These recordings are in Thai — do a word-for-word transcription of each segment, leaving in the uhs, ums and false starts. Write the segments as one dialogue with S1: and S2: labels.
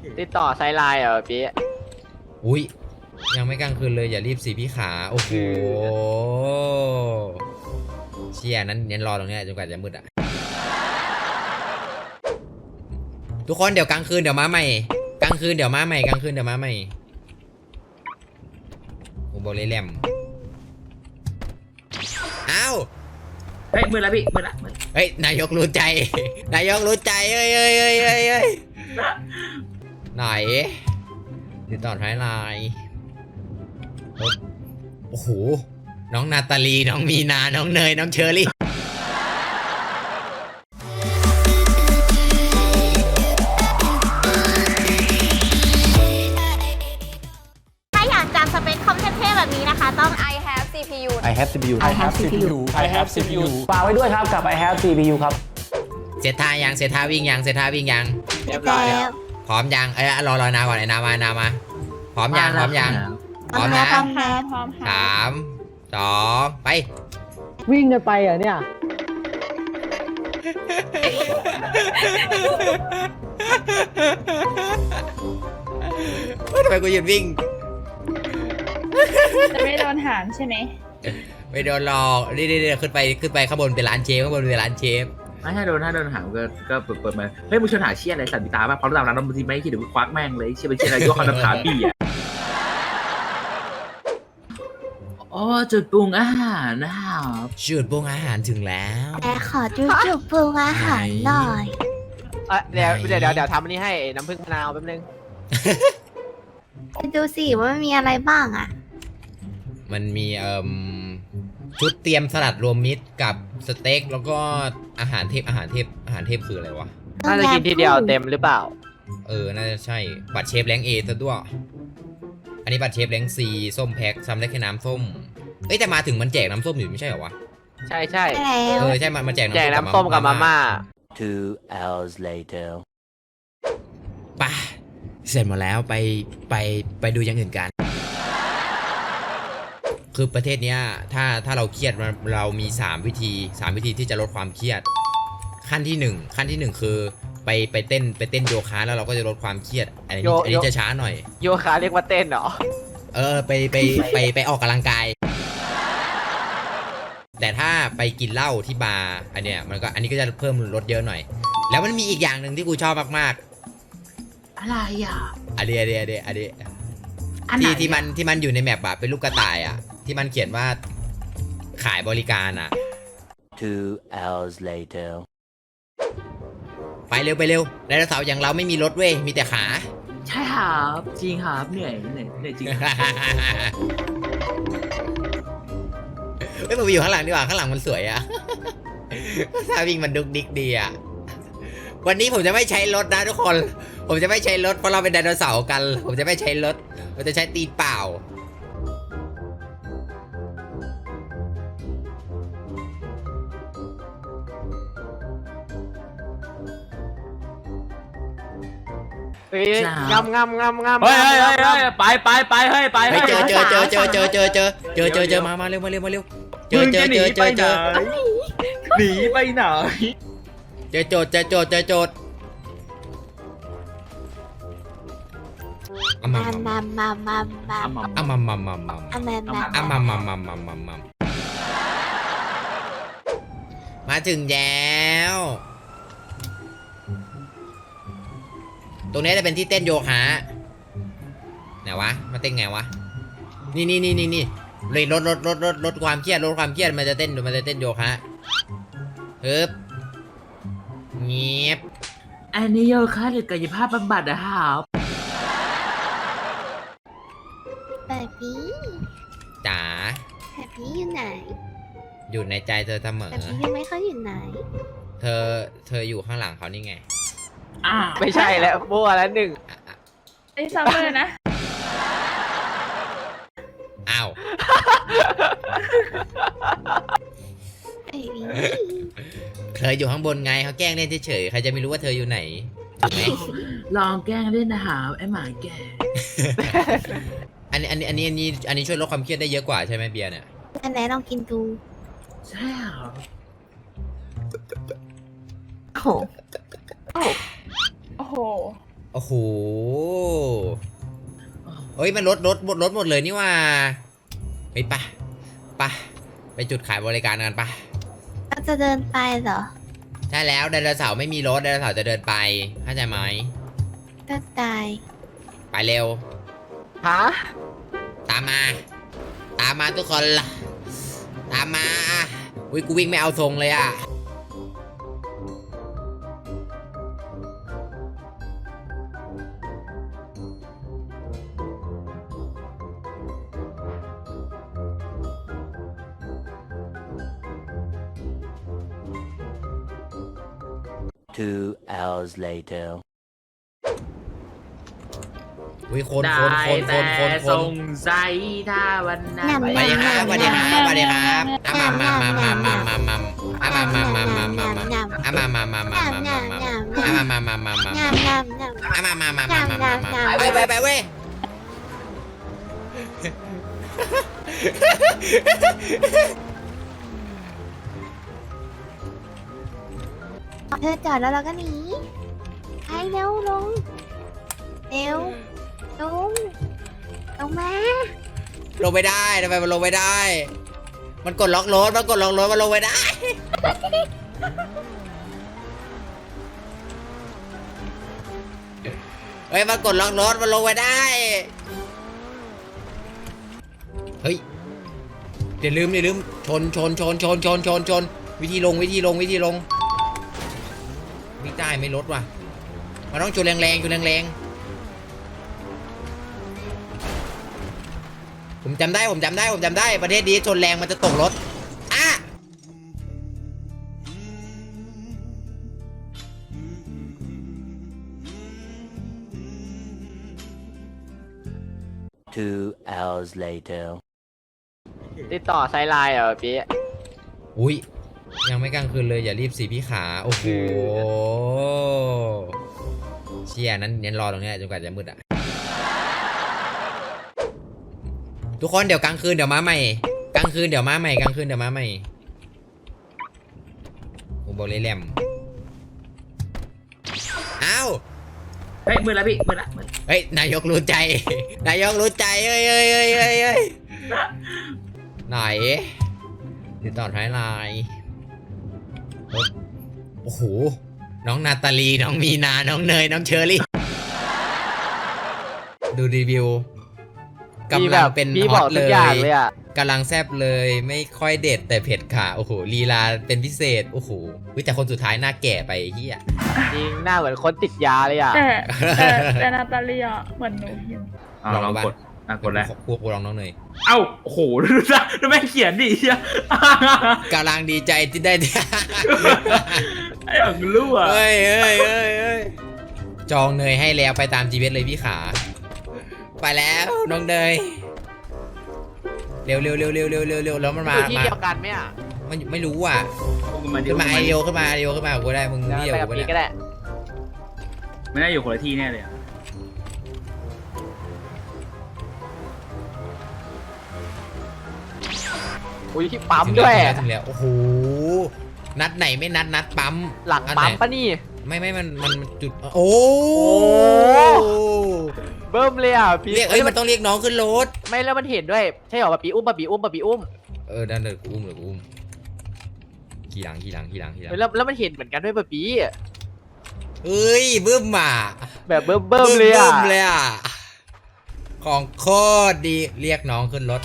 S1: ติดต่อไซไลน์เหรอพี่
S2: อุ้ยยังไม่กลางคืนเลยอย่ารีบสิพี่ขาโอ้โหเชี่ยนั้นเน้นรอตรงนี้จนกว่าจะมืดอะทุกคนเดี๋ยวกลางคืนเดี๋ยวมาใหม่กลางคืนเดี๋ยวมาใหม่กลางคืนเดี๋ยวมาใหม่โอ้โบเลแลมอ้าว
S3: เฮ้ยมือแล้วพี่มือละมือ
S2: เฮ้ยนายกรู้ใจ นายกรู้ใจเฮ้ยเฮ้ยเฮ้ยเฮ้ยเฮ้ยไหนติดต่อท้ายไลน์โอ้โหน้องนาตาลีน้องมีนาน้องเนยน้องเชอรี่
S4: ถ้าอยากจำสเปคคอมเท่ๆแบบนี้นะคะต้อง
S5: I have ซี พี ยู
S6: I have ซี พี ยู
S7: I have ซี พี ยู
S6: I have ซี พี ยู
S7: ฝากไว้ด้วยครับกับ I have ซี พี ยู ครับ
S2: เซตท่ายังเซตท่าวิ่งยังเซตท่าวิ่งยัง
S1: เรียบร้อยแล้ว
S2: พร้อมยังเอ้ยรอรอนาก่อนไอ้นามานามาพร้อมยังพร้อมยังพร้อมนะ
S4: พร้อมแล้วพร้อม
S2: สามสองไป
S8: วิ่งกันไปเหรอเนี่ย
S2: ทำไมกูหยุดวิ่ง
S5: จะไม่โดนหารใช่ไหม
S2: ไม่โดนหลอกนี่นี่ขึ้นไปขึ้นไปข้างบนเป็นร้านเชฟข้างบนเป็นร้านเชฟ
S3: ไม่ถ้าโดนถ้าโดนหางก็ก็เปิดเปิดมาเฮ้ยมึงชวนหาเชี่ยอะไรสันติตาป่ะเพราะระดับนั้นเราบางทีไม่คิดเดี๋ยวกูควักแม่งเลยเชี่ยเป็นเชี่ยอะไรยกคำถามพี่อ่ะอ๋อจุดปรุงอาหารนะครับ
S2: จุดปรุงอาหารถึงแล้ว
S4: แต่ขอดูจุดปรุงอาหารหน่อย
S1: อ่ะเดี๋ยวเดี๋ยวเดี๋ยวเดี๋ยวทำอันนี้ให้น้ำผึ้งมะนาวแป๊บนึง
S4: ดูสิว่ามันมีอะไรบ้างอ่ะ
S2: มันมีเอ่มชุดเตรียมสลัดรวมมิตรกับสเต็กแล้วก็อาหารเทพอาหารเทพอาหารเทพคืออะไรวะ
S1: น่าจะกินทีเดียวเต็มหรือเปล่า
S2: เออน่าจะใช่บัตรเชฟแรงเอซะด้วยอันนี้บัตรเชฟแรงซีส้มแพ็คซ้ำได้แค่น้ำส้มเอ้ยแต่มาถึงมันแจกน้ำส้มอยู่ไม่ใช่เหรอวะ
S1: ใช่ใช่
S4: ใช่แล้ว
S2: เออใช่มันมาแจกน้ำ
S1: แจกน้ำส้มกับมาม่า
S6: Two hours later
S2: ป่ะเสร็จหมดแล้วไปไปไปดูอย่างอื่นกัน คือประเทศเนี้ยถ้าถ้าเราเครียดเรามีสามวิธีสามวิธีที่จะลดความเครียด ขั้นที่หนึ่งขั้นที่หนึ่งคือไปไปเต้นไปเต้นโยคะแล้วเราก็จะลดความเครียดอันนี้อันนี้จะช้าหน่อย
S1: โยคะเรียกว่าเต้นเหรอ
S2: เออไปไปไปไปออกกำลังกาย แต่ถ้าไปกินเหล้าที่บาร์อันเนี้ยมันก็อันนี้ก็จะเพิ่มลดเยอะหน่อย แล้วมันมีอีกอย่างหนึ่งที่กูชอบมาก
S3: อะไรอ่ะ
S2: ๆอันนี้อันนี้อันนี้อันนี้
S3: อันไหน
S2: ที่ที่มันที่มันอยู่ในแมปอะเป็นลูกกระต่ายอะที่มันเขียนว่าขายบริการอะ
S6: Two hours later
S2: ไปเร็วไปเร็วไดโนเสาร์อย่างเราไม่มีรถเว้ยมีแต่ขา
S3: ใช่ครับจริงครับเหนื่อยเหนื่อยเหนื่อยจริง
S2: เฮ้ยผมไปอยู่ข้างหลังดีกว่าข้างหลังมันสวยอะ ถ้าวิ่งมันดุกดิกดีอะวันนี้ผมจะไม่ใช้รถนะทุกคน ผมจะไม่ใช้รถเพราะเราเป็นไดโนเสาร์กัน ผมจะไม่ใช้รถผมจะใช้ตีนเปล่า
S1: เฮ้ยงำงำงำงำ
S3: เฮ้ยเฮ้ยเฮ้ยเฮ้ยไปไปไปเฮ้ยไป
S2: ไปเจอเจอเจอเจอเจอเจอเจอเจอเจอเจอมามาเร็วมาเร็วมาเร็วเจอเจอเจอเจอเจอ
S3: หนีไปไหน
S2: เจอโจทย์เจอโจทย์เจอโจทย์อ่ะมา
S4: มามามามามา
S2: อ่ะมามามามา
S4: อ่ะมามา
S2: อ่ะมามามามามามามาถึงแล้วตรงนี้จะเป็นที่เต้นโยคะไหนวะมาเต้นไงวะนี่นี่นี่นี่นี่เลยลดลดลดลดลดความเครียดลดความเครียดมันจะเต้นมันจะเต้นโยคะฮึบเงียบ
S3: อันนี้โยคะหรือกายภาพบำบัดนะครับ
S4: แบบนี้
S2: จ๋า
S4: แบบนี้อยู่ไหน
S2: อยู่ในใจเธอเสมอ
S4: แบบนี้ยังไม่ค่อยอยู่ไหน
S2: เธอเธออยู่ข้างหลังเขานี่ไง
S3: อ่า
S1: ไม่ใช่แล้วมั่วแล้วหนึ่ง
S2: อ่ะอ่ะ
S5: ไอ้ซัมเมอร์นะ
S2: อ้าว
S4: แบบนี้
S2: เธออยู่ข้างบนไงเขาแกล้งเล่นเฉยๆใครจะไม่รู้ว่าเธออยู่ไหนถูกไหม
S3: ลองแกล้งเล่นนะครับไอ้หมาแก่
S2: อันนี้อันนี้อันนี้อันนี้อันนี้ช่วยลดความเครียดได้เยอะกว่าใช่ไหมเบียร์เนี่ย
S4: อันไหนลองกินดู
S3: ใช่ครับ
S4: โอ้โห
S5: โอ้โห
S2: โอ้โหเฮ้ยมันลดลดลดลดหมดเลยนี่ว่าเฮ้ยปะปะไปจุดขายบริการกันปะ
S4: เราจะเดินไปเหรอ
S2: ใช่แล้วไดโนเสาร์ไม่มีรถไดโนเสาร์จะเดินไปเข้าใจไหม
S4: ก็ตาย
S2: ไปเร็ว
S1: ฮะ
S2: ตามมา ตามมาทุกคนล่ะตามมาอุ้ยกูวิ่งไม่เอาทรงเลยอ่ะ
S6: Two hours later.
S2: อุ้ยคน
S3: ได้
S2: คนคนค
S3: แต่
S2: นคนค
S3: ส
S2: น
S3: งสัยถ้าวันนั้น
S4: ยำ
S2: สวัสดีครับสวัสดีครับสวัสดีครับอ่ะมามามามามามามาอ่ะมามามามามามาอ่ะมามามามามามามาอ่ะมามามามามา
S4: งามงามงาม
S2: อ่ะมามามามามามามาไปไปไปเว้ย
S4: เธอจอดแล้วเราก็หนีไปเร็วลงเร็วลงลงมา
S2: ลงไม่ได้ทำไมมันลงไม่ได้ มันกดล็อกรถมันกดล็อกรถมันลงไม่ได้เฮ้ยมันกดล็อกรถมันลงไม่ได้เฮ้ยอย่าลืมอย่าลืมชนชนชนชนชนชนชนวิธีลงวิธีลงวิธีลงไม่ได้ไม่ลดว่ะมันต้องชนแรงๆชนแรงๆผมจำได้ผมจำได้ผมจำได้ประเทศนี้ชนแรงมันจะตกรถอ่ะ
S6: Two hours later.
S1: ติดต่อไซไลน์เหรอพี่
S2: อุ้ยยังไม่กลางคืนเลยอย่ารีบสิพี่ขาโอ้โหเชี่ยนั้นเน้นรอตรงเนี้ยจนกว่าจะมืดอ่ะทุกคนเดี๋ยวกลางคืนเดี๋ยวมาใหม่กลางคืนเดี๋ยวมาใหม่กลางคืนเดี๋ยวมาใหม่ผมบอกเลยแหลมอ้าว
S3: เฮ้ยมือแล้วพี่มือละมือ
S2: เฮ้ยนายกรู้ใจ นายกรู้ใจเอ้ยเอ้ยเอ้ยเอ้ยเอ้ยไหนติดต่อท้ายไลน์โอ้โหน้องนาตาลีน้องมีนาน้องเนยน้องเชอรี่ดูรีวิวกำลังเป็น
S1: พี่
S2: ฮ
S1: บ
S2: อ
S1: อก
S2: ต
S1: ทุ
S2: เล
S1: กอย่าง
S2: ย
S1: เลยอ่ะ
S2: กำลังแซบเลยไม่ค่อยเด็ดแต่เผ็ดค่ะโอ้โหลีลาเป็นพิเศษโอ้โหแต่คนสุดท้ายหน้าแก่ไปเฮีย
S1: จริงหน้าเหมือนคนติดยาเลยอ่ะ
S5: แต่แต่แต่นาตาเลียเหมือนหนูอยู่
S3: อ่าลองกดอ่ะกดแล้ว
S2: พวกพวกลองน้องเนย
S3: เอ้าโอ้โหดูนะดูแม่งเขียนดิเฮีย
S2: กำลังดีใจที่ได้
S3: ไอ้อย่างรั่ว
S2: เฮ้ยเฮ้ยเฮ้ยเฮ้ยจองเนยให้แล้วไปตามจีเวสเลยพี่ขา ไปแล้วน้องเนยเร็วเร็วเร็วเร็วเร็วเร็วเร็วแล้วมันมา
S1: อยู่ที่
S2: มา
S1: เดียวกันไหมอ่ะ
S2: มันไม่รู้อ่ะ
S3: มาดิ
S2: ขึ้นมาไอเดียวขึ้นมาไอเดียวขึ้นมากูได้มึง
S1: เดี๋ยว
S2: นี่
S1: ไป
S2: เดียว
S1: กับ
S2: กู
S1: พี่
S2: เนี่ย
S1: ก็ได้
S3: ไม่น่าอยู่คนละที่แน่เลยอะ
S1: อุ้ยที่ปั๊มด้วย
S2: ถึงแล้วถึงแล้วโอ้โหนัดไหนไม่นัดนัดปั๊ม
S1: หลัง
S2: อัน
S1: ปั๊
S2: ไน
S1: มปะนี่
S2: ไม่ไม่มันมันมันจุดโอ้
S1: เบิ่มเลยอ่ะพี่
S2: เรียกเอ้ยมันต้องเรียกน้องขึ้นรถ
S1: ไม่แล้วมันเห็นด้วยใช่เหรอปะปีอุ้มปะปีอุ้มปะปีอุ้ม
S2: เออดันเดินกูอุ้มเลยกูอุ้มขี่หลังขี่หลังขี่หลังขี่หลัง
S1: แล้วแล้วมันเห็นเหมือนกันด้วยปะปี
S2: เอ้ยบึ้มอ่ะ
S1: แบบเบิ่มเบิ่มเลยอ่ะ
S2: บึ้มเลยอ่ะของโคตรดีเรียกน้องขึ้นรถ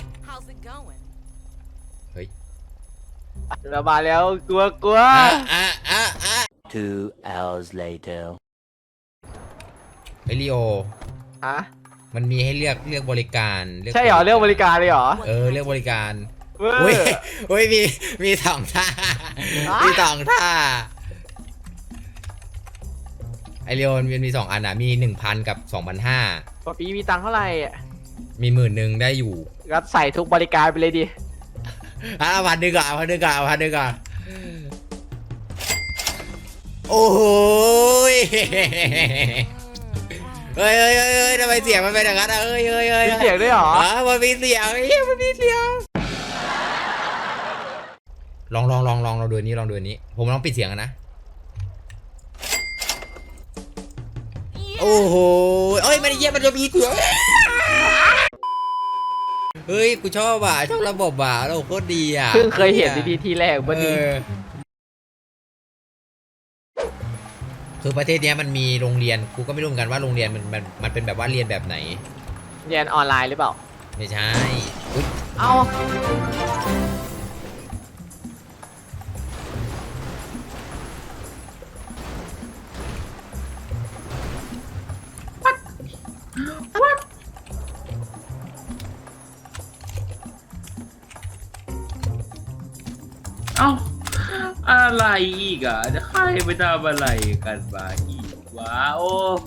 S2: เฮ้ย
S1: เรามาแล้วกลัวกลัว
S2: อ่ะอ่ะอ่ะอ่ะ
S6: Two hours later.
S2: ไอริโอ
S1: ฮะ
S2: มันมีให้เลือกเลือกบริการลืก
S1: ใช่เหรอเรื่องบริการเลยเหรอ
S2: เออเลือกบริการ
S1: เว้ย
S2: อุ้ยอุ้ยมีมีสองท่า
S1: อ่ะ
S2: มีสองท่าไอเรียวมันมีสองอันอ่ะมีหนึ่งพันกับสองพันห้า
S1: ปะปีมีตังค์เท่าไหร่
S2: มีหมื่นหนึ่งได้อยู่
S1: รับใส่ทุกบริการไปเลยดิ
S2: อ่ะพันหนึ่งก่อนพันหนึ่งก่อนพันหนึ่งก่อนโอ้โหยเฮ้ยเฮ้ยเฮ้ยเฮ้ยทำไมเสียงมันเป็นอย่างนั้นอ่ะเฮ้ยเฮ้ยเฮ้ย
S1: มีเสียงด้วยเหรอ
S2: อ๋อมันมีเสียงเฮ้ยมันมีเสียงลองลองลองลองเราดูอันนี้ลองดูอันนี้ผมลองปิดเสียงกันนะโอ้โหเอ้ยมันเยี่ยมันจะมีกูเฮ้ยกูชอบอ่ะชอบระบบอ่ะระบบโคตรดีอ่ะ
S1: เพิ่งเคยเห็นดีๆทีแรกวันนี้
S2: เออคือประเทศเนี้ยมันมีโรงเรียนกูก็ไม่รู้เหมือนกันว่าโรงเรียนมันมันมันเป็นแบบว่าเรียนแบบไหน
S1: เรียนออนไลน์หรือเปล่า
S2: ไม่ใช่อุ๊ย
S1: เอา
S3: เอ้าอะไรอีกอ่ะจะใครไปทำอะไรกันมาอีกวะโอ้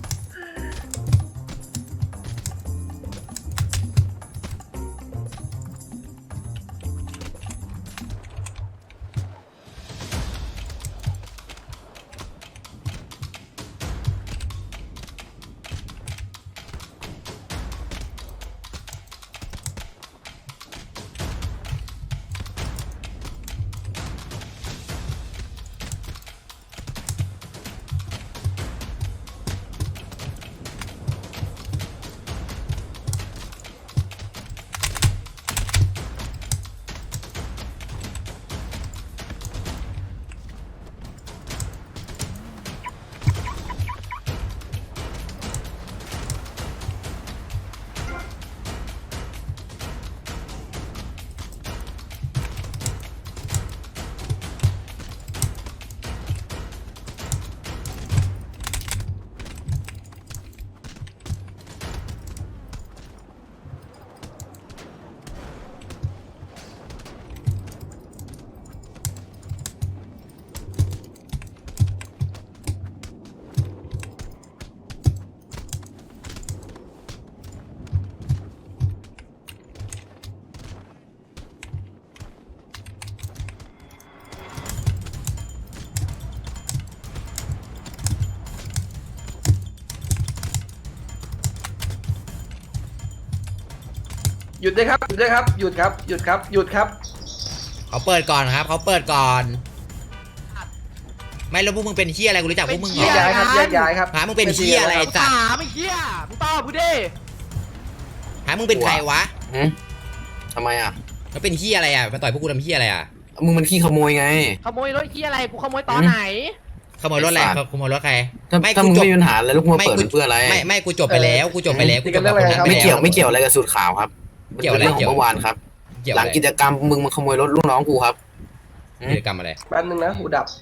S9: หยุดด้วยครับ หยุดด้วยครับ หยุดครับ หยุดครับ หยุดครับ
S2: เขาเปิดก่อนครับเขาเปิดก่อน ไม่แล้วพวกมึงเป็นเฮียอะไรกูรู้จักพวกมึงเหร
S9: แยก
S2: อ
S9: ย้ายครับ แยกย้ายครับ
S2: หามึงเป็นเฮียอะไรไอ้สัตว์
S1: ถามไอ้เหี้ยมึงตอบกูดิ
S2: หามึงเป็นใครวะ
S10: ทำไมอ่ะ
S2: แล้วเป็นเฮียอะไรอ่ะมาต่อยพวกกูทำเฮียอะไรอ่ะ
S10: มึงมันขี้ขโมยไง
S1: ขโมยรถเหี้ยอะไรกูขโมยตอนไหน
S2: ขโมยรถอะไร
S10: ไอ้สัตว์
S2: ขโมยรถใคร
S10: ถ้า
S2: ไม่
S10: ถ้า
S2: กู
S10: มึง
S2: จบ
S10: ไม่มีปัญหาแล้วลูกมึงมา
S2: ไม่
S10: เปิด
S2: กู
S10: เพื่ออะไร
S2: ไม่ไม่กูจบไปแล้วกูจบไปแล้วกูจบกับคนนั้นไป
S10: ไม่
S2: แล้ว
S10: เกี่ยวไม่เกี่ยวอะไรกับสูตรข่าวครับ
S2: เกี่ยวอะไร
S10: ป็นเรื่องข
S2: เกี่
S10: อย ง
S2: ว
S10: เมื่อวานครับ
S2: เกี่ยว
S10: หลั
S2: อะ
S10: ง
S2: ไร
S10: กิจกรรมมึงมาขโมยรถลูกน้องกูครับ
S2: กิจกรรมอะไร
S9: แป๊บนึงนะ หูดับ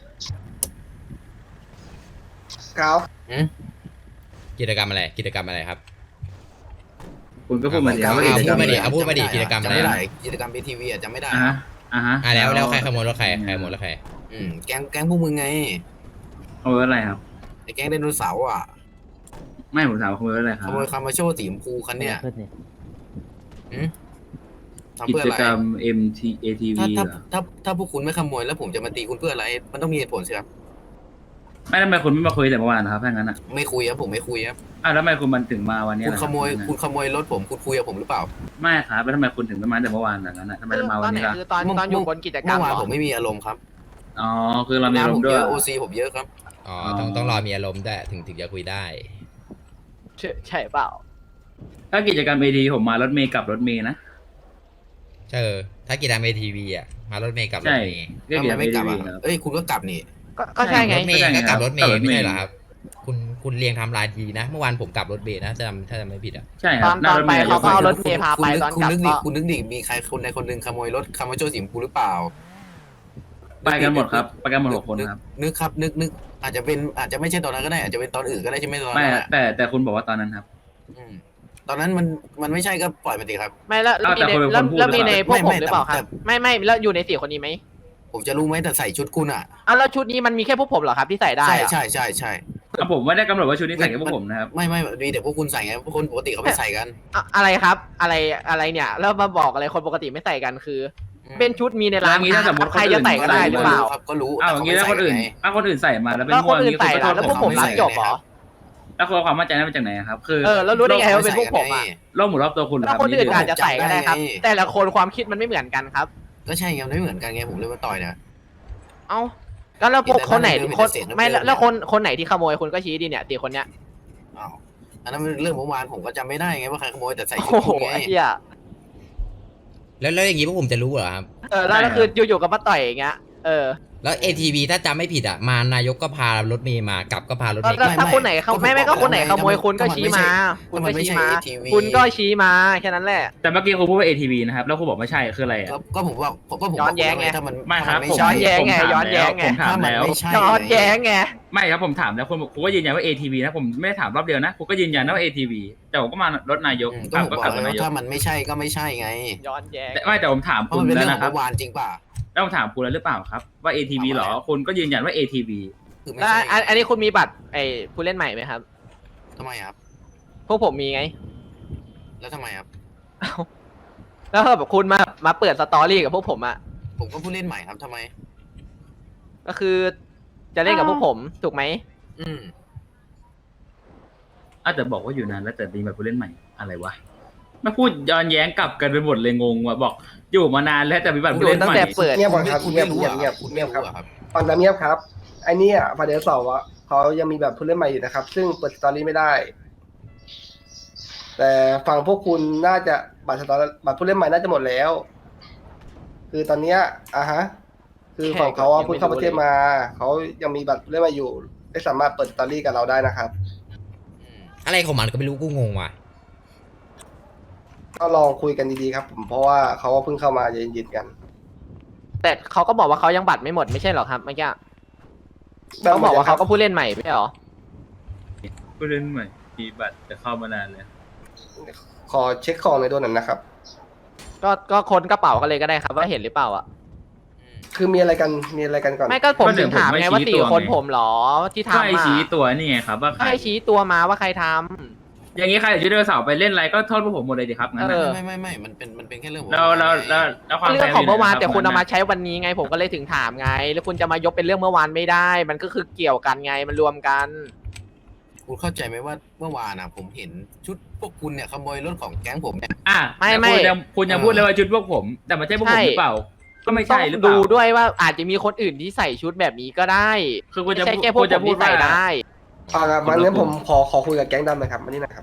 S9: กาว
S2: กิจกรรมอะไรกิจกรรมอะไรครับ
S3: คุณก็พูดมาดิ
S2: เอา
S3: ว่า
S2: เอา
S3: กิจกรรม
S2: พูดมาดิ
S3: อะไร
S2: เอาพูดมาดิกิจกรรมอะไร
S10: จำไม่ได้กิจกรรมบีทีวีอ่ะจำไม่ได้
S3: อ่าฮะอ่าฮะ
S2: อ่ะแล้วแล้วใครขโมยรถใครใครขโมยรถใคร
S10: อืมแก๊งแก๊งพวกมึงไง
S3: ขโมยอะไรครับ
S10: ไอ้แก๊งไดโนเสาร์อ่ะ
S3: ไม่ผมถามว่าขโมยอะไรค
S10: ข
S3: รับ
S10: โมยคามาโชว์สีชมพูคันเนี้ยอืมทำ
S3: กิ
S10: เพื่อ
S3: จ
S10: อะไร
S3: กรรม เอ็ม ที เอ ที
S10: ถ้า
S3: วี
S10: ถ้า
S3: เหรอ
S10: ถ้าถ้าพวกคุณไม่ขโมยแล้วผมจะมาตีคุณเพื่ออะไร มันต้องมีเหตุผลสิครับ
S3: ไม่ทำไมคุณไม่มาคุยแต่เมื่อวานนะครับถ้างั้นอ่ะ
S10: ไม่คุยครับผมไม่คุยครับ
S3: อ้าวแล้วทำไมคุณมันถึงมาวันนี้
S10: คุณ
S3: ล่ะ
S10: ขโมย
S3: รับ
S10: คุณขโมยรถผมคุณคุยกับผมหรือเปล่า
S3: ไม่ครับแล้วทำไมคุณถึงไม่มาแต่เมื่อวานล่ะงั้นอ่ะทำไม
S1: คือ
S3: มา
S1: ต
S3: วั
S1: อน นไหน
S3: นี้ล่ะ
S1: คือตอน
S10: เมื่อ
S1: ตอนอยู่บนกิจกรร
S10: เมื่
S1: ม
S10: อวาน
S1: เหรอ
S10: ผมไม่มีอารมณ์ครับ
S3: อ๋อคือเรามี
S10: งาน
S3: ล
S10: ผม ม
S3: ด้
S10: เย
S3: วย
S10: อะโอซีผมเยอะครับ
S2: อ๋อต้องต้องรอมีอารมณ์ด้วยถึงถึงจะคุยได้
S1: ใช่ใช่เปล่า
S3: ถ้ากิจกรรมเอทีผมมารถเมย์กับรถเมย์นะ
S2: เออถ้ากีฬาเมทีวีอ่ะมารถเมย์กับร
S3: ใช่
S2: ถเมย์
S3: ก็
S10: ทำ
S3: กิจ
S10: ไม
S3: กรรม
S10: ไม่
S3: เอก
S10: ลับ
S3: ที
S10: อ่ะ
S3: ครับ
S10: เอ้ยคุณก็กลับนี่
S1: ก็ก็ใช่ไง
S2: รถเมย์
S3: ก็ใช่ไง
S2: ก็กลับรถเมย์
S3: กลับรถเมย์
S2: ไม่ใช่เหรอครับ คุณคุณเรียงไทำลายดีนะ เมื่อวานผมกลับรถเมย์นะถ้าจำถ้าจำไม่ผิดอ่ะ
S3: ใช่ค
S1: ต
S3: รั
S1: อบ น
S3: ห
S1: ต
S3: น้า
S1: อน
S3: รถ
S1: ไป
S3: เมย์
S1: เขาก็เอารถเมย์พาไป
S10: คุณนึก
S1: ตอน
S10: คุณ
S1: กลับ
S10: นึกดิ
S1: ก็
S10: คุณนึกดิมีใครคนใดคนหนึ่งขโมยรถคามาโชสีชมพูหรือเปล่า
S3: ไปกันหมดครับไปกันหมดหกคนครับ
S10: นึกครับนึกนึกอาจจะเป็นอาจจะไม่ใช่ตอนนั้นก็ได้อาจจะเป็นตอนอื่นก็ได้ใช่ไหมตอน
S3: ไม่
S10: นั้นอะ
S3: แต่แต่คุณบอกว่าตอนนั้นครับ
S10: อืมตอนนั้นมันมันไม่ใช่ก็ปล่อยไปสิครับ
S1: ไม่แล้วแล้วมี
S3: แต่
S1: ใน
S3: คนเป็น
S1: แล้ว
S3: คนพูด
S1: แล้วมีในพวก
S10: ไม่
S1: ผม
S10: ไม่
S1: หรือเปล่าค
S10: แต่
S1: รับไม่ไม่แล้วอยู่ในสี่คนนี้ไหม
S10: ผมจะรู้ไหมแต่ใส่ชุดคุณอ่ะ
S1: อ้าวแล้วชุดนี้มันมีแค่พวกผมเหรอครับที่ใส่ได้
S10: ใช่
S1: อะ
S10: ใช่ใช่ใช่
S3: อ่ะผมไม่ได้กำหนดว่าชุดนี้ใส่กับพวกผมนะครับ
S10: ไม่ไม่มีแต่พวกคุณใส่ไงพวกคนปกติเขาไม่ใส่กัน
S1: อะอะไรครับ อะไรอะไรเนี่ย แล้วมาบอกอะไรคนปกติไม่ใส่กันคือ เป็นชุดมีในร้าน
S3: แล้วอย่างนี้ถ้าสมมุติ
S1: ใครจะใส่ก็ได้หรือเปล่า
S10: ครับก็รู้
S3: อ้าวอย่างนี้ถ้าคนอื่น
S10: ไง
S3: ถ้าคนอื่นใส่มาแล้วเป็น
S1: แล้ว
S3: ม่
S1: ค
S3: วน ง
S1: อื่น
S3: นี้
S1: ใส่
S3: คุณก็
S1: ล่ะ
S3: โทษ
S1: แล้วพวกผมรับจบเหรอ
S3: แล้วคุณเอาความมั่นใจนั้นมาจากไหนครับ คือ
S1: เออแล้วรู้ได้ไงว่าเป็นพวกผมอะ
S3: โลกหมุนรอบตัวคุณเหรอ
S1: แล้ว
S3: รับ
S1: คนอื่นอาจจะใส่ก็ได้ครับ
S10: จำได้ไง
S1: แต่ละคนความคิดมันไม่เหมือนกันครับ
S10: ก็ใช่ไงมันไม่เหมือนกันไงผมเลยมาต่อยเนี่ย
S1: เอ้าแล้วแล้วพวกคนไหน
S10: เดี๋ยว
S1: คน
S10: เดี๋ยว
S1: ไม่
S10: เดี๋ยว
S1: แล้วคนคนไหนที่ขโมยคุณก็ชี้ดิเนี่ยตีคนเนี้ย
S10: อ้าวนนั้นมันเรื่องเมื่อวานผมก็จำไม่ได้ไงว่าใครขโมยแต่ใส่ชุ
S1: โอ้
S10: ด
S1: โห
S10: คุณไง
S1: ไอ้เหี้ย
S2: แล้วแล้วอย่างงี้พวกผมจะรู้เหรอครับ
S1: เออแล้วก็คืออยู่ๆก็มาต่อยอย่างเงี้ยเออ
S2: แล้ว เอ ที วี ถ้าจำไม่ผิดอ่ะมานายกก็พารถเมย์มากลับก็พารถ
S1: ก็
S2: เมย์
S1: ก็
S2: กลับ
S1: ถ้าคนไหนเขาไม่ไม่ก็คนไหนขโมยคุณก็ชี้มา คุณก็ชี้มา คุณก็ชี้มาแค่นั้นแหละ
S3: แต่เมื่อกี้คุณพูดว่า เอ ที วี นะครับแล้วคุณบอกไม่ใช่คืออะไรอะ
S10: ก็ก็ผมว่าก็ผม
S1: ย้อนแย้งไง
S10: ถ้ามัน
S3: ไม่ครับ
S10: ถ้า
S3: ผม
S10: ใช่
S1: ย้อนแย้งไง
S3: ผมถาม
S1: ย้อนแย้งไง
S3: ผมถาม
S10: ถ้ามัน
S3: แล้ว
S10: ไม่ใช่
S1: ย้อนแย้งไง
S3: ไม่ครับผมถามแล้วคุณคุณก็ยืนยันว่า เอ ที วี นะผมไม่ได้ถามรอบเดียวนะคุณก็ยืนยันว่า เอ ที วี แต่ผมก็มารถนายก
S10: อืม
S3: ก
S10: ก็
S3: ลับ
S10: ผม
S3: ก็
S10: บอก
S3: กลับ
S10: แล้ว
S3: นายก
S10: ถ้ามันไม่ใช่ก็ไม่ใช่ไง
S1: ย้อนแย้ง
S3: แต่ไม่แต่ผมถาม
S10: เพราะ
S3: คุ
S10: มัน
S3: ณ
S10: เป็น
S3: แล้
S10: เรื่อ
S3: ว
S10: งขอ
S3: นะ
S10: ง
S3: ครับ
S10: เมื่อวานจริงป่ะ
S3: แล้วผมถามคุณแล้วหรือเปล่าครับว่า เอ ที วี เหรอคุณก็ยืนยันว่า เอ ที วี
S10: คือไม่
S1: แล้ว
S10: ใช่
S1: อันอันนี้คุณมีบัตรไอ้ผู้เล่นใหม่ไหมครับ
S10: ทำไมครับ
S1: พวกผมมีไง
S10: แล้วทำไมครับ
S1: แล้วแบบคุณมามาเปิดสตอรี่กับพวกผมอ่ะ
S10: ผมก็ผู้เล่นใหม่ครับทำไม
S1: ก็คือจะเล่นกับพวกผมถูกไหม
S10: อืม
S3: อาจจะบอกว่าอยู่นานแล้วแต่ดีแบบผู้เล่นใหม่อะไรวะมาพูดย้อนแย้งกลับกันไปหมดเลยงงว่ะบอกอยู่มานานแล้วแต่มีบัตร
S1: อ
S3: ผู้
S1: ยู่
S3: เล่น
S1: ตั้ง
S3: ใหม่
S1: แต่เปิด
S9: เงียบก่อนครับ
S10: คุณ
S9: เงีย
S10: ไม่
S9: บ
S10: รู้
S9: เงียบ
S10: อะ
S9: เงียบ
S10: คุณ
S9: เงี
S10: ไม่
S9: ยบค
S10: รู้
S9: รับ
S10: อะครับ
S9: ฟังน้ำเงียบครับไอ้เนี่ยฟาเดลสองอะเขายังมีแบบผู้เล่นใหม่อยู่นะครับ ซึ่งเปิดสตอรี่ไม่ได้ แต่ฝั่งพวกคุณน่าจะบัตรสตอรี่บัตรผู้เล่นใหม่น่าจะหมดแล้ว คือตอนเนี้ยอ่ะฮะ คือฝั่งเขาอะเพิ่งเข้าประเทศมาเขายังมีบัตรผู้เล่นใหม่อยู่ไม่สามารถเปิดสตอรี่กับเราได้นะครับ
S2: อะไรของมันก็ไม่รู้กูงงว่ะ
S9: ก็ลองคุยกันดีๆครับ ผมเพราะว่าเขาก็เพิ่งเข้ามาเย็นๆกัน
S1: แต่เขาก็บอกว่าเขายังบัตรไม่หมดไม่ใช่เหรอครับเมื่อกี้เขาบอกว่าเขาก็ผู้เล่นใหม่ไม่ใช่เหรอ
S3: ผู้เล่นใหม่มีบัตรแต่เข้ามานานเลย
S9: ขอเช็คของในอยด้วยหน่อยนะครับ
S1: ก็ก็ค้นกระเป๋ากันเลยก็ได้ครับว่าเห็นหรือเปล่าอ่ะ
S9: คือมีอะไรกันมีอะไรกันก่อน
S1: ไม่ก็ผมถึงถามไงว่าสี่คนผมเหรอที่
S3: ก็
S1: ทำ
S3: ไอ
S1: อ่ะ
S3: ชี้ตัวนี่ไงครับว่าใคร
S1: ให้ชี้ตัวมาว่าใครทำ
S3: อย่างนี้ใครจะเดินเสาร์ไปเล่นอะไรก็โทษพวกผมหมดเลยดิครับงั้น
S1: เอ
S3: น่ะ
S1: อ
S10: ไม่ไม่ไม่มันเป็นมันเป็นแค่เรื่องของ
S3: แล้วแล้วแล้วแล้วความ
S1: เรื่องของเมื่อวานแต่คุณเอามา
S3: ใช้
S1: ใช้วันนี้ไง ผมก็เลยถึงถามไง แล้วคุณจะมายกเป็นเรื่องเมื่อวานไม่ได้ มันก็คือเกี่ยวกันไงมันรวมกัน
S10: คุณเข้าใจไหมว่าเมื่อวานอะผมเห็นชุดพวกคุณเนี่ยขโมยรถของแก๊งผมเนี่ย
S3: อ่ะ
S1: ไม่ไม่
S3: แต่คุณยังคุณยังพูดเลยว่าชุดพวกผม แต่มันใช่พวกผมหรือเปล่า ก็ไม่ใช่หรือเป
S1: ต้
S3: ล่า
S1: องดูด้วยว่าอาจจะมีคนอื่นที่ใส่ชุดแบบนี้ก็ได้
S3: คือคุณ
S1: ไม่
S3: จะ
S1: ใช่แค่พวก
S3: คุณ
S1: ผ
S3: จะ
S1: ม
S3: พูด
S1: ที่ใส่
S3: ว่า
S1: ได้
S9: อ่าครับมันงั้นผมขอขอคุยกับแก๊งดำหน่อยครับมานี่หนะครับ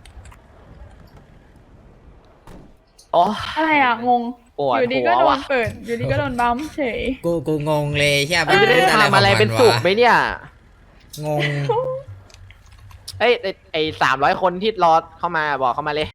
S1: โอ้
S5: อะไรอ่ะ งง
S1: ปวด
S5: อยู่ดี
S1: หั
S5: ก็
S1: ว
S5: โดน
S1: ว่ะ
S5: เปิด อยู่ดีก็โดนบัมป์เฉย
S2: กูกูงงเลยใช่
S1: มันจะได้ทำอะไรเป็นสุกไหมเนี่ย
S2: งง
S1: เอ้ยไอ้ไอ้สามร้อยคนที่รอเข้ามาบอกเข้ามาเลย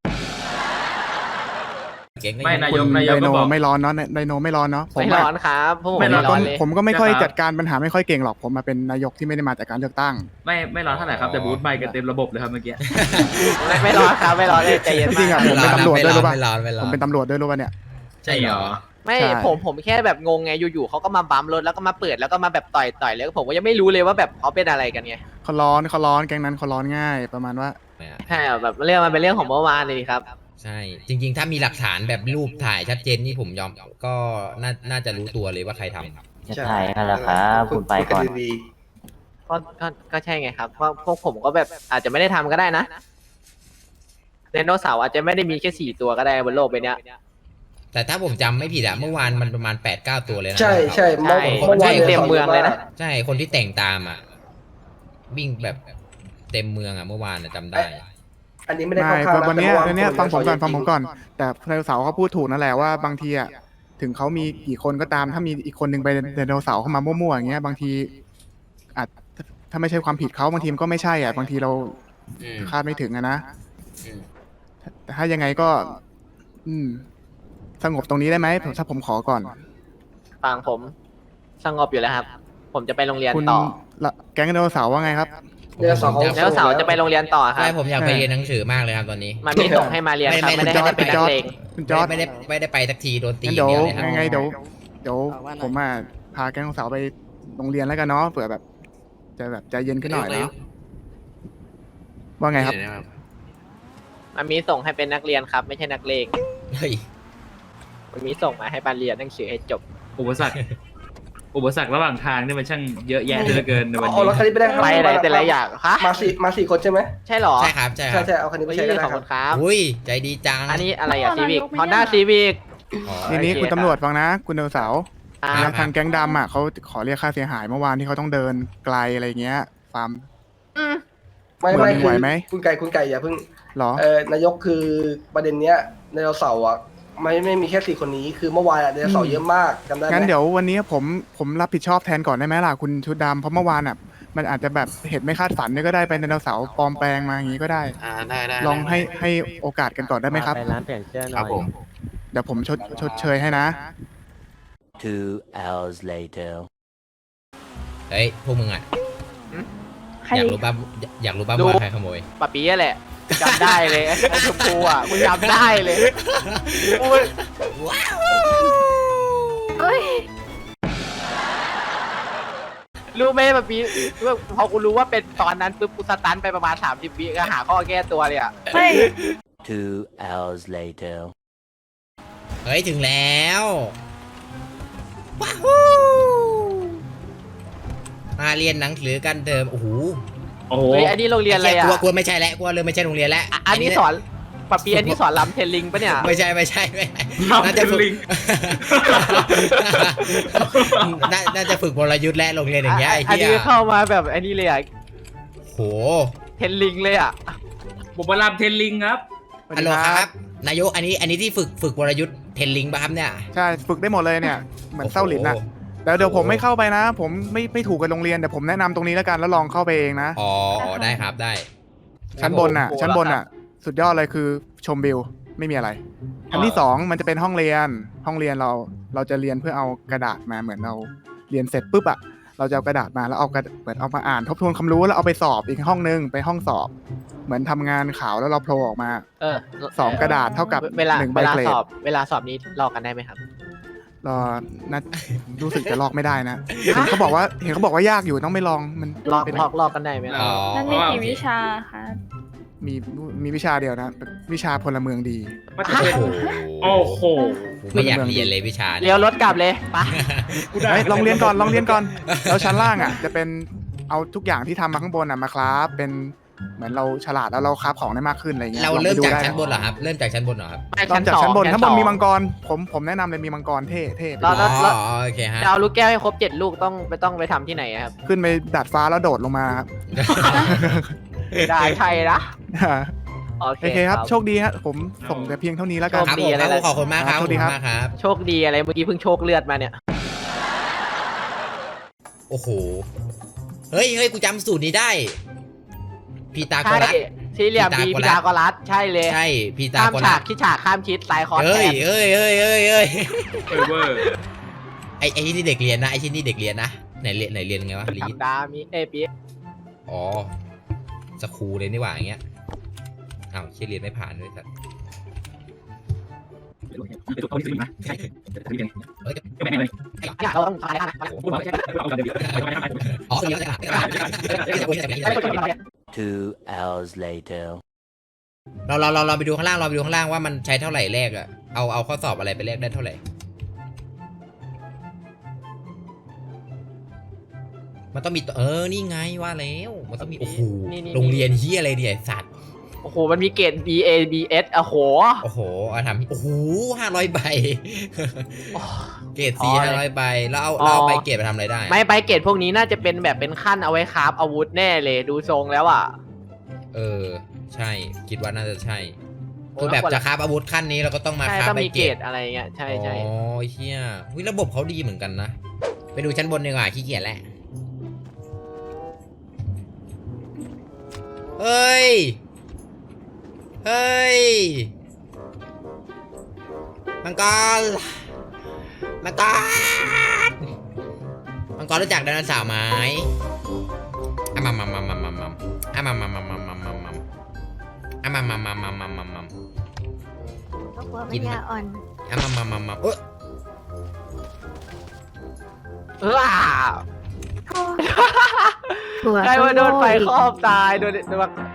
S3: ไม่นาย
S11: คุณ
S3: กนายก
S11: ได
S3: ก็
S11: โน
S3: บอก
S11: ไม่ร้อนเนาะไดโนไม่ร้อนเนาะผม
S1: ไม่
S11: อะ
S1: ร้อนครับพวกผม
S3: ไม่
S1: ไม่
S3: ร้อน
S1: ร้อนเลย
S11: ผมก็ไม่ค่อย
S3: นะครับ
S11: จัดการปัญหาไม่ค่อยเก่งหรอกผมมาเป็นนายกที่ไม่ได้มาจากการเลือกตั้ง
S3: ไม่ไม่ร้อนเท่าไหร่ครับแต่บูธใบกันเต็มระบบเลยครับเมื่อกี้
S1: ไม่ไม่ร้อนครับไม่ร้อนเลยใจเย็น
S11: จริงๆ
S1: มา
S11: อะ
S1: ก
S11: ผมเป็นตำรวจด้วยรู้ป่ะ
S2: ไม่ร้อนไม่ร้
S11: ผ
S2: อ
S11: ม
S2: น
S11: เป็นตำรวจด้วยรู้ป่ะเนี่ย
S2: ใช่เหรอ
S1: ไม่
S11: ใช่
S1: ผมผมแค่แบบงงไงอยู่ๆเขาก็มาบัมรถแล้วก็มาเปิดแล้วก็มาแบบต่อยต่อยแล้วผมก็ยังไม่รู้เลยว่าแบบเขาเป็นอะไรกันไง
S11: เขาร้อนเขาร้อนแก๊งนั้นเขาร้อนง่ายประมาณว่า
S1: ใช่แบบเรื่องมันเป็นเรื่องของเมื่อวานเลยครับ
S2: ใช่ จริง ๆ ถ้ามีหลักฐานแบบรูปถ่ายชัดเจนนี่ผมยอมก็น่าน่าจะรู้ตัวเลยว่าใครทำ
S9: จะถ่ายกันแล้วครับคุณไปก่อนดี
S1: ก็ก็ก็ใช่ไงครับเพราะพวกผมก็แบบอาจจะไม่ได้ทำก็ได้นะไดโนเสาร์อาจจะไม่ได้มีแค่สี่ตัวก็ได้บนโลกใบเนี้ย
S2: แต่ถ้าผมจำไม่ผิดอะเมื่อวานมันประมาณแปดเก้าตัวเลยนะ
S9: ใช่ใช่เมื่อ
S1: ใช่
S9: เมื่อวาน
S1: เต็มเมืองเลยนะ
S2: ใช่คนที่แต่งตามอะวิ่งแบบเต็มเมืองอะเมื่อวานอะจำได้
S9: อันนี้ไม่ได้
S11: ไม่
S9: เข้าข้างนะ
S11: วันเนี้ย
S9: แต่
S11: วันเนี้ย
S9: ค
S11: ฟังผมก่อน
S9: ข
S11: ฟังผมก่อน
S9: จริ
S11: แต่ไดโนเสาร์เขาพูดถูกนั่นแหละว่าบางทีอะถึงเขามีกี่คนก็ตามถ้ามีอีกคนหนึ่งไปไดโนเสาร์เข้ามามั่วๆอย่างเงี้ยบางทีอาจถ้าไม่ใช่ความผิดเขาบางทีมันก็ไม่ใช่อ่ะบางทีเรา
S10: อืม
S11: คาดไม่ถึงอะนะ
S10: อืม
S11: แต่ถ้ายังไงก็ อืม สงบตรงนี้ได้ไหมผมถ้าผมขอก่อน
S1: ฟังผมสงบอยู่แล้วครับ ผมจะไปโรงเรียน
S11: คุณ
S1: ต่อ
S11: ละแก๊งไดโนเสาร์ว่าไงครับ
S9: ไดโนเสาร์เขา
S1: ไดโนเสาร์จะไปโรงเรียนต่อครั
S2: ใช่
S1: บ
S2: ผมอยากไปเรียนหนังสือมากเลยครับตอนนี้
S1: มันไม่ส่งให้มาเรียนครับ
S2: ไม่
S1: ไม่
S2: ไม่
S1: ได้ให้ไปเป็นนักเลง
S11: คุณจอร์ด
S2: ไม่ได้ไม่ได้ไปสักทีโดนตี
S11: งั้น
S2: อ
S11: เดี๋ย
S2: ย่าง
S11: ว
S2: เดียวเลยครับ
S11: ยังไงเดี๋ยวเดี๋ยวผมอ่ะพาแก๊งไดโนเสาร์ไปโรงเรียนแล้วกันเนาะเผื่อแบบ จะแบบใจเย็นขึ้นหน่อยเนาะว่าไงครับ
S10: เดี๋ยวนะครับ
S1: มันมีส่งให้เป็นนักเรียนครับ ไม่ใช่นักเลง
S2: เฮ้ย
S1: มันมีส่งมาให้มาเรียนหนังสือให้จบ
S3: อุปสรรค อุปสรรคระหว่างทางนี่มันช่างเยอะแยะเหลือเกินในวัน
S9: เอา
S3: นี้
S9: รถคันนี้ไปได้ครับ
S1: ไปอะไรแต่ละอย่างฮะ
S9: มาสี่มาสี่คนใช่ไหม
S1: ใช่เหรอ
S2: ใช่ครับใช่ค
S9: ใช่
S2: รับ
S9: ใช่เอาคันนี้ไป
S1: ไม่
S9: ใช้
S1: ใช่
S9: ก็ได้
S1: ขอบ
S9: ครั
S1: คุ
S9: บ
S1: ณครับ
S2: อุ้ยใจดีจัง
S1: อันนี้อะไรอะ
S5: อ๋อ
S1: ซีวิก
S5: นายกไม่
S1: ฮอนด้า
S5: ได้
S1: ซีวิก
S2: อ๋อ
S11: ทีนี้คุณตำรวจฟังนะ คุณไดโนเสาร์
S1: อ่า
S2: ครั
S11: ทางแก๊งดำอ่ะเขาขอเรียกค่าเสียหายเมื่อวานที่เขาต้องเดินไกลอะไรเงี้ยฟาร์ม
S9: ไม่
S11: ไหว
S9: ไม่
S11: ไห
S9: คื
S11: ว
S9: อ
S11: ไหม
S9: คุณไก่คุณไก่อย่าเพิ่ง
S11: หรอ
S9: เออนายกคือประเด็นเนี้ยไดโนเสาร์อ่ะไม่ไม่มีแค่สี่คนนี้คือเมื่อวานอะไดโนเสาร์เยอะมากจำได้ไหม
S11: งั้นเดี๋ยววันนี้ผมผมรับผิดชอบแทนก่อนได้ไหมล่ะคุณชุดดำเพราะเมื่อวานอ่ะมันอาจจะแบบเหตุไม่คาดฝันเนี่ยก็ได้ไปไดโนเสาร์ปลอมแปลงมาอย่างนี้ก็ได้
S10: อ่าได้ได้
S11: ลองให้ให้โอกาสกันก่อนได้ไหมครับ
S8: ไปร้านเปลี่ยนเสื้อห
S10: ค
S8: น่
S10: รั
S8: อบ ย
S10: ผม
S11: เดี๋ยวผมชดชดเชยให้นะ
S6: Two hours later.
S2: เฮ้ยพวกมึงอ่ะ
S5: ใคร
S2: อยากรู้ป่ะอยากรู้ป่ะ
S1: ดู
S2: ว่าใครขโมย
S1: ปะปีแหละจำได้เลยไอ้ชมพูอ่ะกูจำได้เลยกู
S4: เฮ้ย
S1: รู้ไหมปะปีพอกูรู้ว่าเป็นตอนนั้นปุ๊บกูสตันไปประมาณสามสิบวิก็หาข้อแก้ตัวเลยอ่ะ
S5: เฮ้ย
S6: Two hours later.
S2: เฮ้ยถึงแล้วว้าวมาเรียนหนังสือกันเดิมโอ้โห
S3: โอ้โห
S1: เฮ้ยอันนี้โรงเรียนอะไรอ่ะ
S2: กลัวกลัวไม่ใช่แล้วกลัวเลยไม่ใช่โรงเรียนแล้ว
S1: อ่ะอันนี้สอนปะปีอันนี้สอนลำเทนลิงปะเนี่ย
S2: ไม่ใช่ไม่ใช่ไม่ใช่
S3: ลำ
S2: น่าจะฝึก
S3: ลิง
S2: น่าน่าจะฝึกวรยุทธ์และโรงเรียนอย่างเงี้ยไอ้
S1: อัน
S2: เหี้
S1: นี้
S2: ย
S1: เข้ามาแบบอันนี้เลยอ่ะ
S2: โห
S1: เทนลิงเลยอ่ะ
S3: ผมมาลำเทนลิงครับ
S2: ฮัลโหลครับนายกอันนี้อันนี้ที่ฝึกฝึกวรยุทธ์เทนลิงป่ะครับเนี่ย
S11: ใช่ฝึกได้หมดเลยเนี่ยเหมือนเศร้าหลินนะ
S2: โอ้โห
S11: แล้วเดี๋ยวผมไม่เข้าไปนะ ผมไม่ไม่ถูกกับโรงเรียนเดี๋ยวผมแนะนำตรงนี้แล้วกันแล้วลองเข้าไปเองนะ
S2: อ๋ออ๋อได้ครับได้
S11: ชั้นบนน่ะ
S1: โอ้โห
S11: ชั้นบนน่ะ สุดยอดเลยคือชมวิวไม่มีอะไรชั้นที่สองมันจะเป็นห้องเรียนห้องเรียนเราเราจะเรียนเพื่อเอากระดาษมาเหมือนเราเรียนเสร็จปุ๊บอะเราจะเอากระดาษมาแล้วเอากระเหมือนเอามาอ่านทบทวนความรู้แล้วเอาไปสอบอีกห้องนึงไปห้องสอบ เหมือนทำงานข่าวแล้วเราโผล่ออกมา
S1: เออ
S11: สองกระดาษเท่ากับ
S1: เวลา
S11: หนึ่งใบ
S1: เวลา
S11: เกรด
S1: สอบเวลาสอบนี้ลอกกันได้ไหมครับ
S11: รอนะรู้สึกจะลอกไม่ได้นะเห็นเขาบอกว่าเห็นเขาบอกว่ายากอยู่ต้องไม่ลองมัน
S1: ลอก
S11: เป็น
S1: ลอกลอกกันได้ไหมครับ
S2: อ๋อ
S5: นั่นมีกี่วิชาคะ
S11: มีมีวิชาเดียวนะวิชาพลเมืองดี
S3: มาจะเป็น
S2: โอ้โห
S3: โอ้โห
S2: ไม่อยากเรียนเลยวิชา
S1: เลี้ยวรถกลับเลยไป
S3: กูได้
S11: เฮ้ยลองเรียนก่อนลองเรียนก่อนแล้วชั้นล่างอ่ะจะเป็นเอาทุกอย่างที่ทำมาข้างบนอ่ะมาคราฟเป็นเหมือนเราฉลาดแล้วเราคราฟของได้มากขึ้นอะไรเงี้ย
S2: เรา
S11: ลองไป
S2: เริ่ม
S11: ดู
S2: จาก
S11: ได้
S2: ชั้นบนเหรอครับ เริ่มจากชั้นบนเหรอครับ
S1: ไป
S11: ตอนจากชั้นบน
S1: สอง
S11: ทั้างบน
S1: สอง
S11: มีมังกรผมผมแนะนำเลยมีมังกรเท่เท่ไป
S1: แล้
S11: ดู
S1: ว
S2: อ๋อโอเคฮะ
S1: จะเอาลูกแก้วให้ครบเจ็ดลูกต้องไปต้องไปทำที่ไหนอะครับ
S11: ขึ้นไปดาดฟ้าแล้วโดดลงมาครับ
S1: ได้ใช่นะโอเค
S11: โอเคครับ
S1: ครับ
S11: โชคดีฮะผมส่งแต่เพียงเท่านี้แล้วกัน
S2: ครับ
S1: ดี
S2: ผม
S1: อะไร
S2: ครับ
S1: ล่ะ
S2: ขอบคุณมากครับ
S11: ครับ
S2: ขอบคุณมากครับ
S1: โชคดีอะไรเมื่อกี้เพิ่งโชคเลือดมาเนี่ย
S2: โอ้โห เฮ้ยเฮ้ยกูจำสูตรนี้ได้ พีตาโก
S1: ใช่
S2: รัส
S1: สี่เหลี่ยม
S2: พี
S1: บี
S2: ตาโกรัส
S1: พีตาโกรัสใช่เลย
S2: ใช่ พีตา
S1: ข้าม
S2: โก
S1: ฉา
S2: รั
S1: ก
S2: ส
S1: ที่ฉากข้ามชิดซ้ายคอร์ส
S2: เอ้
S1: แท
S2: ย
S1: น
S2: เอ้ยเอ้ยเอ้ยเอ้ย
S3: เออเวอร์
S2: ไอไอที่นี่เด็กเรียนนะไอที่นี่เด็กเรียนนะไหนเรียนไหนเรียนไงวะลีด
S1: ดามีเอปี
S2: อ๋อสครูเลยนี่หว่าอย่างเงี้ยอ้าวเชี่ยเรียนไม่ผ่านด้วยสัตว์เฮ้ย
S1: เนี่ยเราต้องทายนะ
S2: อ๋อเรียนไม่ผ่าน
S6: Two hours later.
S2: เราเราเราเราไปดูข้างล่างเราไปดูข้างล่างว่ามันใช้เท่าไหร่แรกอะเอาเอาข้อสอบอะไรไปแลกได้เท่าไหร่ มันต้องมีตัวเออนี่ไงว่าแล้วมันต้องมีโอ้โหโรงเรียนเฮียอะไรเนี่ยไอ้สัตว์
S1: โอ้โหมันมีเกรด B A B S โอ้โห
S2: โอ้โหเอาทำโอ้โหห้าร้อยใบ เกรดสี่ห้าร้อยใบแล้วเอาเราเอาไปเกรดไปทำอะไรได้
S1: ไม่ไปเกรดพวกนี้น่าจะเป็นแบบเป็นขั้นเอาไว้คราฟอาวุธแน่เลยดูทรงแล้วอ่ะ
S2: เออใช่คิดว่าน่าจะใช่คือแบบจะคราฟอาวุธขั้นนี้เราก็ต้องมา
S1: ใช่
S2: คราฟ
S1: ต้อง
S2: ไป
S1: มี
S2: เก
S1: เก
S2: ร
S1: ร
S2: ด
S1: ดอะไรเงี้ยใช่ใช่
S2: อ๋อเฮียวิระบบเขาดีเหมือนกันนะไปดูชั้นบนดีกว่าขี้เกียจแหละเฮ้ยเฮ้ยมังกรมังกรมังกรรู้จักไดโนเสาร์ไหมอ่ะมามามามามามาอ่ะมามามามามามามาอ่ะมามามามามามามา
S4: ก็กลัวปัญญาอ่อน
S2: อ่ะมามามามาเอ้ย
S1: เออ
S4: ถั่ว
S1: ใครว่าโดนไฟครอบตายโดนโดน